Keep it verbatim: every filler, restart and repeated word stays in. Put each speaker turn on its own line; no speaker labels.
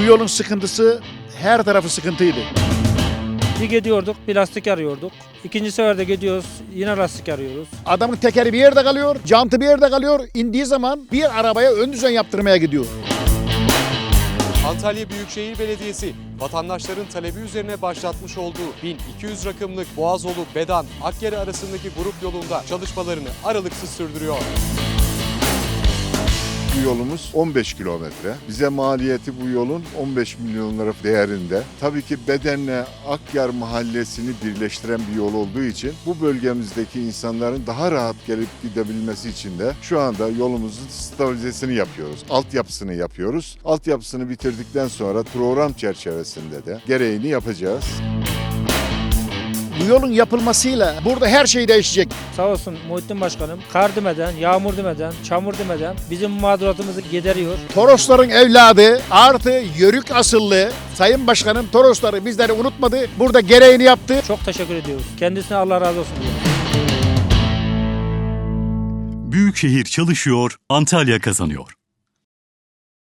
yolun sıkıntısı her tarafı sıkıntıydı.
Bir gidiyorduk, bir lastik arıyorduk. İkinci seferde gidiyoruz, yine lastik arıyoruz.
Adamın tekeri bir yerde kalıyor, jantı bir yerde kalıyor. İndiği zaman bir arabaya ön düzen yaptırmaya gidiyor.
Antalya Büyükşehir Belediyesi vatandaşların talebi üzerine başlatmış olduğu bin iki yüz rakımlık Boğazolu Bedan Akyarı arasındaki grup yolunda çalışmalarını aralıksız sürdürüyor.
Bu yolumuz on beş kilometre. Bize maliyeti bu yolun on beş milyon lira değerinde. Tabii ki Beden'le Akyar mahallesini birleştiren bir yol olduğu için bu bölgemizdeki insanların daha rahat gelip gidebilmesi için de şu anda yolumuzun stabilizesini yapıyoruz. Altyapısını yapıyoruz. Altyapısını bitirdikten sonra program çerçevesinde de gereğini yapacağız.
Bu yolun yapılmasıyla burada her şey değişecek.
Sağ olsun Muhittin Başkanım, kar demeden, yağmur demeden, çamur demeden bizim mağduratımızı gideriyor.
Torosların evladı artı Yörük asıllı Sayın Başkanım Torosları bizleri unutmadı. Burada gereğini yaptı.
Çok teşekkür ediyoruz. Kendisine Allah razı olsun diyorum.
Büyükşehir çalışıyor, Antalya kazanıyor.